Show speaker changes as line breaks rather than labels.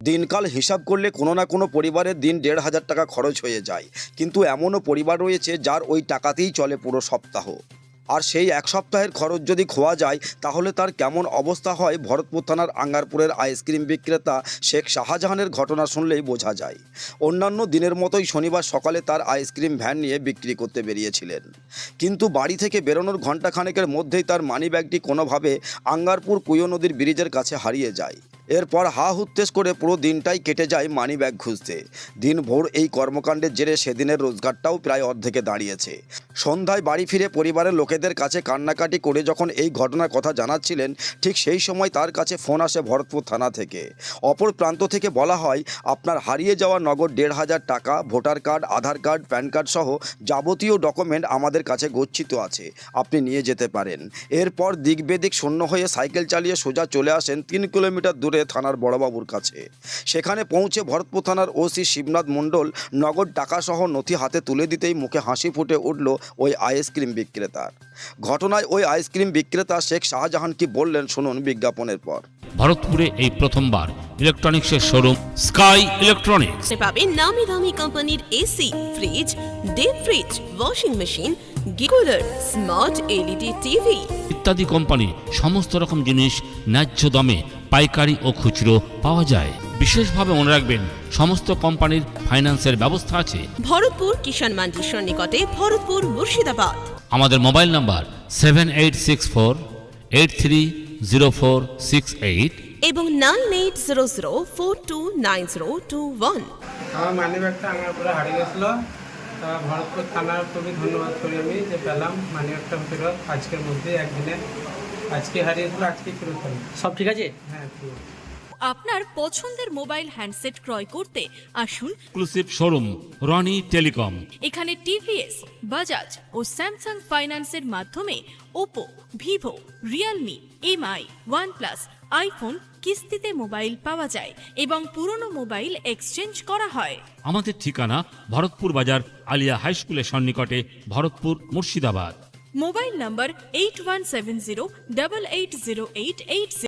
দিনকাল হিসাব করলে কোনো না কোনো পরিবারের দিন ১,৫০০ টাকা খরচ হয়ে যায়, কিন্তু এমনও পরিবার রয়েছে যার ওই টাকাতেই চলে পুরো সপ্তাহ। আর সেই এক সপ্তাহের খরচ যদি খোয়া যায় তাহলে তার কেমন অবস্থা হয় ভরতপুর থানার আঙ্গারপুরের আইসক্রিম বিক্রেতা শেখ শাহজাহানের ঘটনা শুনলেই বোঝা যায়। অন্যান্য দিনের মতোই শনিবার সকালে তার আইসক্রিম ভ্যান নিয়ে বিক্রি করতে বেরিয়েছিলেন, কিন্তু বাড়ি থেকে বেরোনোর ঘণ্টাখানেকের মধ্যেই তার মানিব্যাগটি কোনোভাবে আঙ্গারপুর কুয়ো নদীর ব্রিজের কাছে হারিয়ে যায়। এরপর হা হুত্তেশ করে পুরো দিনটাই কেটে যায় মানিব্যাগ খুঁজতে। দিনভর এই কর্মকাণ্ডের জেরে সেদিনের রোজগারটাও প্রায় অর্ধেকে দাঁড়িয়েছে। সন্ধ্যায় বাড়ি ফিরে পরিবারের লোকেদের কাছে কান্নাকাটি করে যখন এই ঘটনার কথা জানাচ্ছিলেন, ঠিক সেই সময় তার কাছে ফোন আসে ভরতপুর থানা থেকে। অপর প্রান্ত থেকে বলা হয়, আপনার হারিয়ে যাওয়া নগদ ১,৫০০ টাকা, voter card, Aadhaar card, PAN card সহ যাবতীয় ডকুমেন্ট আমাদের কাছে গচ্ছিত আছে, আপনি নিয়ে যেতে পারেন। এরপর দিক বেদিক শূন্য হয়ে সাইকেল চালিয়ে সোজা চলে আসেন ৩ কিলোমিটার দূরে থানার বড়বাবুর কাছে। সেখানে পৌঁছে ভরতপুর থানার ওসি শিবনাথ মণ্ডল নগদ টাকাসহ নথি হাতে তুলে দিতেই মুখে হাসি ফুটে উঠল ওই আইসক্রিম বিক্রেতার। ঘটনায় ওই আইসক্রিম বিক্রেতা শেখ শাহজাহান কি বললেন শুনুন বিজ্ঞাপনের পর।
ভারতপুরে এই প্রথমবার ইলেকট্রনিক্সের শোরুম স্কাই ইলেকট্রনিক্স
পাবেন নামি দামি কোম্পানির AC, fridge, deep fridge, washing machine, গিকুলার, স্মার্ট এলইডি টিভি
ইত্যাদি কোম্পানি সমস্ত রকম জিনিস ন্যায্য দামে পাইকারি ও খুচরো পাওয়া যায়। বিশেষভাবে মনে রাখবেন, সমস্ত কোম্পানির ফাইন্যান্সের ব্যবস্থা আছে।
ভরতপুর কিষাণ মান্ডির সন্নিকটে, ভরতপুর, মুর্শিদাবাদ।
আমাদের মোবাইল নাম্বার 7864830468
এবং 9800429021।
আমার মানিব্যাগটা আঙ্গারপুরে হারিয়ে গেছিলো। তা ভরতপুর থানার খুবই ধন্যবাদ করি আমি যে পেলাম মানিব্যাগটা ফেরত আজকের মধ্যে, একদিনে। আজকে হারিয়েছিল, আজকে ফেরত পেলাম।
সব ঠিক আছে?
হ্যাঁ, ঠিক আছে।
আপনার পছন্দের মোবাইল হ্যান্ডসেট ক্রয় করতে আসুন
এক্সক্লুসিভ শোরুম রনি টেলিকম।
এখানে টিভিএস, বাজাজ ও স্যামসাং ফাইন্যান্সের মাধ্যমে Oppo, Vivo, Realme, Mi, OnePlus, iPhone কিস্তিতে মোবাইল পাওয়া যায় এবং পুরনো মোবাইল এক্সচেঞ্জ করা হয়।
আমাদের ঠিকানা ভরতপুর বাজার আলিয়া হাই স্কুলের সন্নিকটে, ভরতপুর, মুর্শিদাবাদ।
মোবাইল নম্বর 8170880880।